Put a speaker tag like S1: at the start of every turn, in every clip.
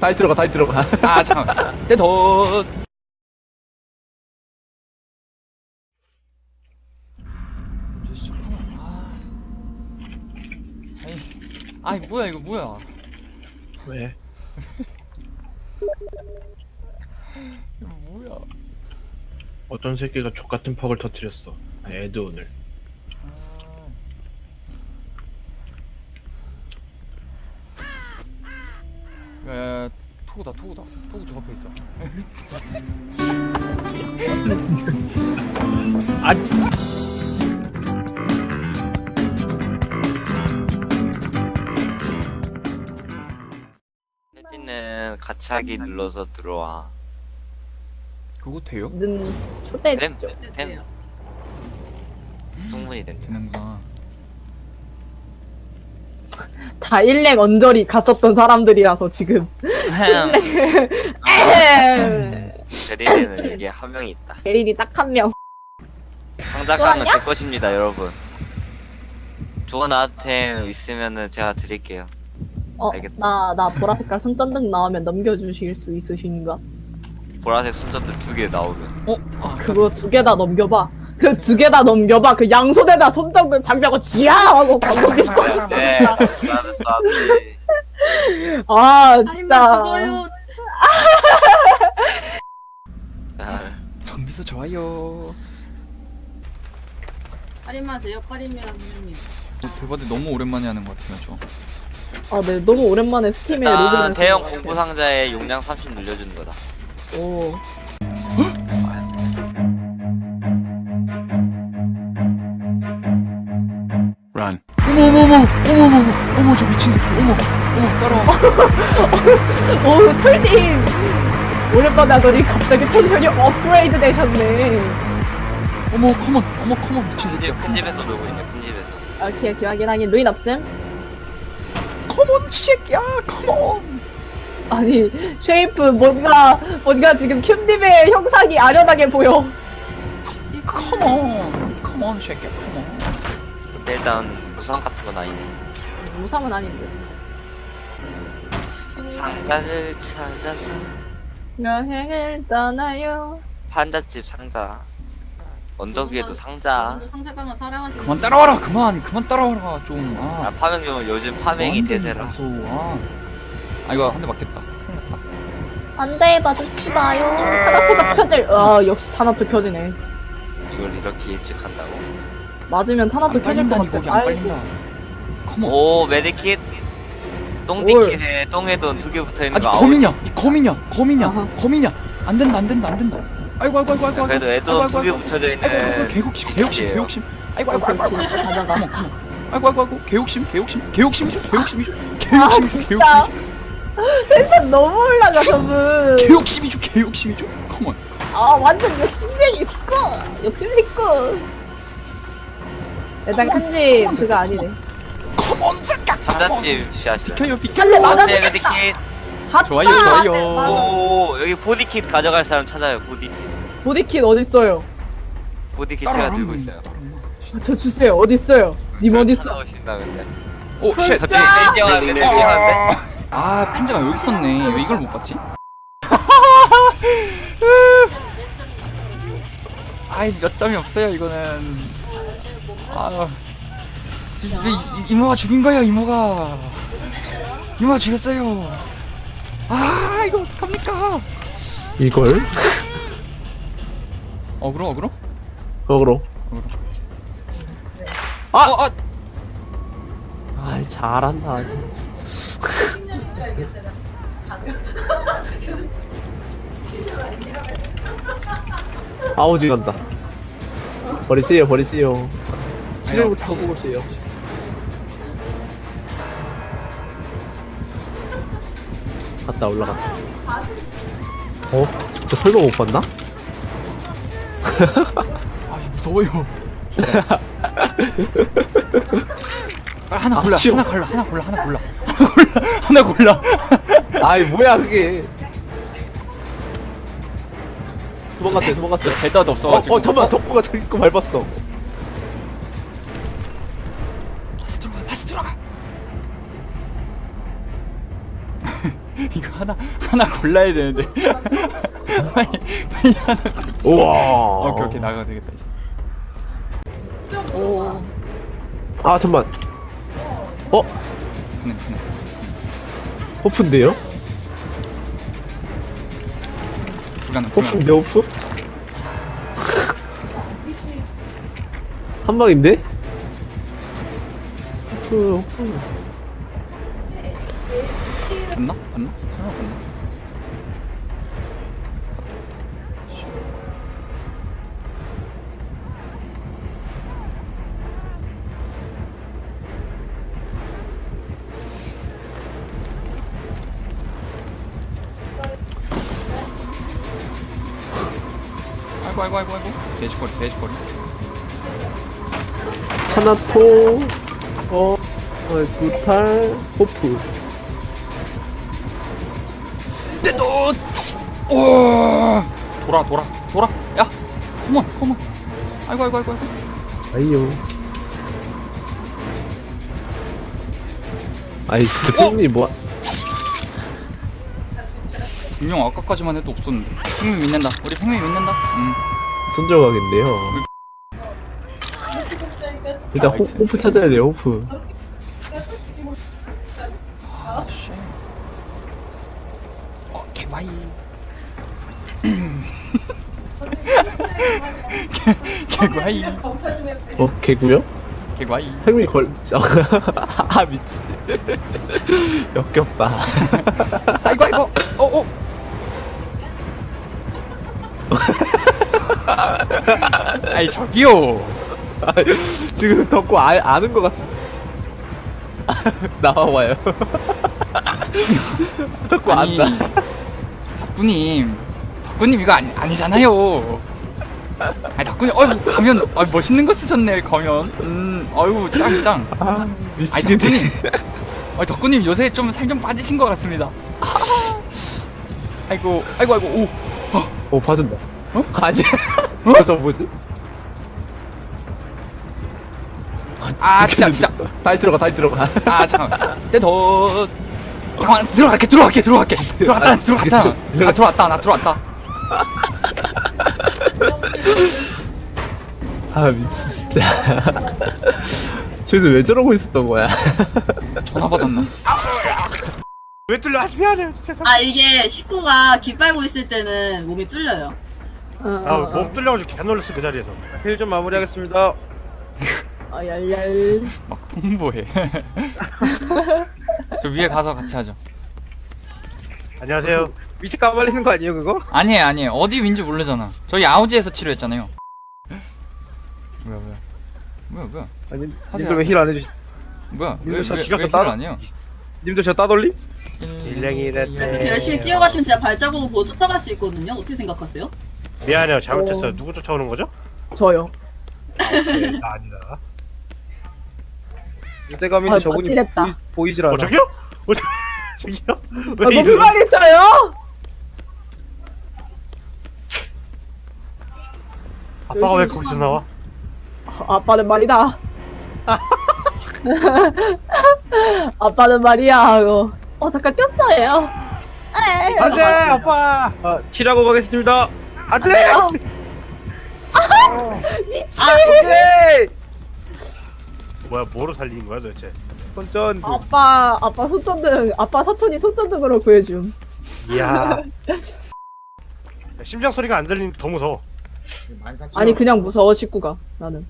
S1: 다이 들어가 다이 들어가.
S2: 아 잠깐만 떼덧. 아이 뭐야 이거 뭐야.
S1: 왜?
S2: 이거 뭐야.
S1: 어떤 새끼가 족같은 퍽을 터뜨렸어. 에드온을.
S2: 야, 토구다 토구 저 앞에 있어.
S1: 아니.
S3: 혜진은 같이 하기 눌러서 들어와.
S2: 그거 돼요?
S4: 는 초대
S3: 됨 충분히 됨.
S2: 되는구나.
S4: 다 일렉 언저리 갔었던 사람들이라서 지금
S3: 대리는 이게 한 명이 있다.
S4: 예린이 딱 한 명.
S3: 상자깡은
S4: 좋았냐?
S3: 제 것입니다, 여러분. 좋은 아이템 있으면은 제가 드릴게요. 알겠다.
S4: 나 보라 색깔 손전등 나오면 넘겨주실 수 있으신가?
S3: 보라색 손전등 2개 나오면.
S4: 그거 2개 다 넘겨봐. 그 2개 다 넘겨봐. 그 양손에다 손전등 장비하고 지야 하고 방송이 써.
S3: 네, 나는 쐈지.
S4: 아 진짜.
S2: 정비서 좋아요.
S5: 할인만 제 역할입니다, 선생님.
S2: 대바대 너무 오랜만에 하는 것 같아요 저.
S4: 아, 네 너무 오랜만에 스팀에
S3: 일단
S4: 로그인.
S3: 대형 공부 상자에 용량 30 늘려주는 거다.
S4: 오.
S2: 런. 어머 저 미친 새끼. 어머 따라와.
S4: 오 털님 오랜만에 하더니 갑자기 텐션이 업그레이드 되셨네.
S2: 어머 컴온 미친 새끼야.
S3: 큰 집에서 놀고 있네, 큰 집에서.
S4: 오케이 확인하긴 루인 없음.
S2: 컴온 새끼야 컴온.
S4: 아니 쉐이프 뭔가 지금 큐님의 형상이 아련하게 보여.
S2: 컴온 새끼야 컴온.
S3: 근데 일단 무상 같은 건 아니네.
S4: 무상은 아닌데.
S3: 상자를 찾아서
S4: 여행을 떠나요.
S3: 판잣집 상자. 언덕 위에도 상자.
S5: 여러분들 상자깡을 사랑하시는
S2: 그만 따라와라 그만 따라와라 좀.
S3: 아, 파밍 좀 요즘 파밍이
S2: 완전
S3: 대세라.
S2: 무서워. 아 이거 한 대 맞겠다.
S4: 안돼 맞으시지 마요. 타나토가 켜질. 아 역시 타나토 켜지네.
S3: 이걸 이렇게 예측한다고?
S4: 맞으면 타나토
S2: 안
S4: 켜질 것
S2: 빨린다니 거기 안
S4: 같아.
S2: 빨린다. 컴온.
S3: 오, 메디킷. 똥디킷에 똥에 돈 2개 붙어있는
S2: 아직
S3: 거 아웃.
S2: 거미냐
S4: 아하.
S2: 안 된다 아이고
S3: 그래도 애도 2개 붙여져 있는.
S2: 아이고 개욕심 아이고
S4: 오케이 가자가.
S2: 아이고 개욕심이죠
S4: 아 진짜. 텐션 너무 올라가 저분.
S2: 개욕심이죠 컴온.
S4: 아 완전 욕심쟁이 식구. 욕심 식구. 일단 큰집 그거 아니네.
S2: 컴온 잠깐
S3: 판잣집 시하시다.
S2: 비켜요
S4: 한대 맞아
S3: 네,
S4: 주겠다.
S3: 메디킷.
S4: 핫
S2: 좋아요.
S3: 오, 여기 보디킷 가져갈 사람 찾아요, 보디킷.
S4: 보디킷 어딨어요?
S3: 보디킷 제가 들고 있어요.
S4: 저 주세요. 어딨어요? 님 어딨어?
S3: 찾아오신다면요.
S2: 오쉣
S3: 저쪽에 땡겨왔는데.
S2: 아 핀자가 여기 있었네. 왜 이걸 못 봤지? 아이 몇 점이 없어요 이거는. 아 지금 이모가 죽인 거예요. 이모가 죽였어요. 아 이거 어떡합니까?
S1: 이걸?
S2: 어그로?
S1: 거꾸로.
S2: 아
S1: 아 잘한다 아직. 아우지 간다. 버리세요. 치료고 타고 오세요. 갔다 올라갔다. 진짜 설마 못 봤나?
S2: 아 무서워요. 하나 골라.
S1: 치워.
S2: 하나 골라.
S1: 아이 뭐야 그게. 도망갔어요.
S2: 대답 없어가지고.
S1: 잠깐만 덕구가 자기 거 밟았어.
S2: 다시 들어가. 이거 하나 골라야 되는데. 빨리 하나 골라.
S1: 우와.
S2: 오케이 나가도 되겠다 이제.
S1: 아 잠만. 어?
S2: 그네.
S1: 호프인데요?
S2: 불가능.
S1: 호프인데 호프? 한 방인데? 호프.
S2: 봤나? 설마 봤나? 아이고 돼지거리.
S1: 하나토. 구탈. 호프.
S2: 돌아. 야, 컴온. 아이고.
S1: 아이요. 아이 대표님 뭐?
S2: 분명 아까까지만 해도 없었는데. 팽민 믿는다. 우리 팽민 믿는다.
S1: 손절가겠네요. 일단 호프 찾아야 돼요. 호프.
S2: 아, 씨. 개바이. 개과이.
S1: 개구요?
S2: 개과이.
S1: 팽미 걸. 아 미치. 역겹다.
S2: 아이고. 아이 저기요.
S1: 지금 덕구 아는 것 같은. 나와봐요. 덕구
S2: 아니,
S1: 안다.
S2: 덕구님 이거 아니잖아요. 아니 덕구님, 가면, 멋있는 거 쓰셨네 가면. 아이고 짱.
S1: 아
S2: 아니
S1: 미치겠네.
S2: 덕구님 요새 좀 살 좀 빠지신 것 같습니다. 아이고.
S1: 오 봐준다.
S2: 어?
S1: 가지. 저 뭐지?
S2: 아 진짜.
S1: 다시 들어가.
S2: 아 잠깐만. 떼덧. 잠깐만 들어갈게. 들어갔잖아. 나 들어왔다.
S1: 아 미치 진짜. 저기서 왜 저러고 있었던 거야?
S2: 전화 받았나?
S6: 왜 뚫려? 아 미안해요 진짜.
S5: 아 이게 식구가 기 빨고 있을 때는 몸이 뚫려요.
S6: 아몸 뚫려가지고 개 놀랐어 그 자리에서.
S7: 힐 좀 마무리하겠습니다.
S4: 얄얄.
S2: 막 통보해. 저 위에 가서 같이 하죠.
S6: 안녕하세요.
S7: 위치 까발리는 거 아니에요 그거?
S2: 아니에요. 어디 윈지 모르잖아. 저희 아우지에서 치료했잖아요. 뭐야?
S7: 아니
S2: 하세요,
S7: 님들 왜 힐 안 해주시?
S2: 뭐야?
S7: 님들
S2: 왜
S7: 저
S2: 힐을
S7: 시간 더
S2: 안 해요?
S7: 님들 저 따돌리?
S6: 일랭이네.
S5: 그렇게 열심히 뛰어가시면 제가 발자국을 보고 쫓아갈 수 있거든요. 어떻게 생각하세요?
S6: 미안해요 잘못했어요. 누구 쫓아오는 거죠?
S4: 저요.
S6: 네, 나 아니다.
S7: 유대감인데 저분이
S4: 찔렸다.
S7: 보이질 않아.
S6: 저기요? 저기요? 왜
S4: 뭐
S6: 이러지?
S4: 불만 있어요?
S6: 아빠가 왜 거기서 나와?
S4: 아빠는 말이다. 아빠는 말이야. 잠깐 꼈어요.
S6: 안돼 아빠.
S7: 아 치라고 가겠습니다. 안돼.
S4: 미친.
S7: 오케이.
S6: 뭐야 뭐로 살리는 거야 도대체?
S7: 손전.
S4: 아빠 손전등. 아빠 사촌이 손전등으로 구해줌.
S6: 이야. 심장 소리가 안 들리니까 더 무서워.
S4: 아니 그냥 무서워 식구가 나는.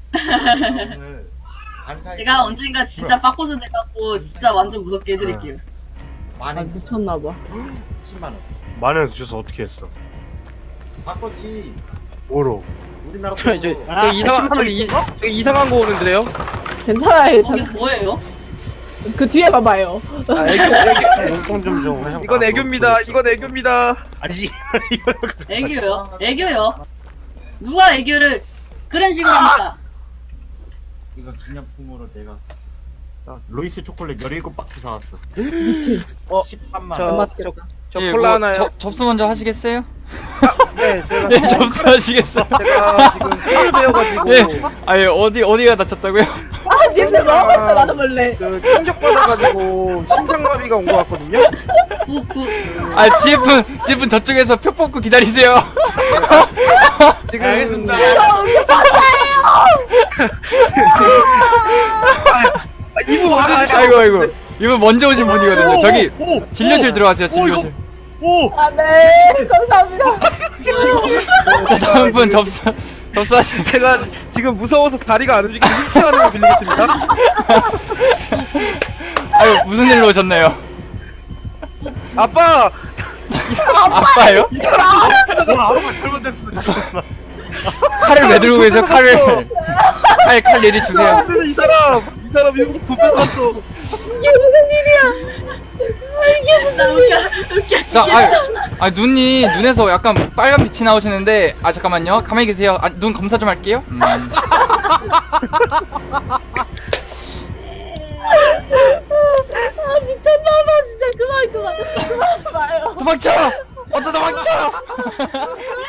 S5: 제가 언젠가 진짜 빠꼬즈 돼갖고 진짜 완전 무섭게 해드릴게요.
S4: 아 미쳤나봐.
S8: 10만원
S6: 만원 주서 어떻게 했어?
S8: 바꿨지.
S6: 뭐로?
S8: 우리나라
S7: 저 이제 저 이상한 거 오는데요?
S4: 괜찮아요.
S5: 거기서 뭐예요?
S4: 그 뒤에 봐봐요.
S7: 아, 애교.
S6: 용돈 좀 해.
S7: 이건 애교입니다. 이건 애교입니다.
S6: 아니지.
S5: 애교요? 애교요? 누가 애교를 그런 식으로 합니까?
S8: 이거 기념품으로 내가 로이스 초콜릿 17박스 사왔어.
S4: 미친.
S8: 13만원.
S7: 저-
S4: 맛있겠다.
S7: 저 콜라 하나요?
S2: 접수 먼저 하시겠어요?
S7: 네, 제가
S2: 예, 접수하시겠어요?
S7: 제가 지금 힐을 배워가지고
S2: 예. 어디가 다쳤다고요?
S4: 님들 먹었어 나도 몰래.
S7: 그 충격 받아가지고 심장마비가 온 것 같거든요.
S2: 아 GF는 저쪽에서 표 뽑고 기다리세요.
S7: 지금
S8: 알겠습니다.
S7: 이모
S2: 아이고 이분 먼저 오신 분이거든요. 저기 진료실 들어가세요. 진료실.
S6: 오!
S4: 아, 네. 감사합니다.
S2: 자 다음 분 접수하시면.
S7: 제가 지금 무서워서 다리가 안 움직이고 휠체어를 거 빌리겠습니다.
S2: 아유 무슨 일로 오셨나요?
S7: 아빠
S2: 아빠요?
S6: 와 아무가 잘못됐어.
S2: 칼을 왜 들고 계세요? 칼을. 칼 내리 주세요.
S7: 이 사람 미국 돈 뺏어갔어.
S4: 이게 무슨 일이야? 이게 무슨
S5: 나
S4: 일이야?
S5: 웃겨
S2: 자,
S5: 죽겠어.
S2: 눈에서 약간 빨간 빛이 나오시는데, 잠깐만요. 가만히 계세요. 눈 검사 좀 할게요.
S4: 아, 미쳤나봐. 진짜 그만 봐요.
S2: 도망쳐! 어서 도망쳐!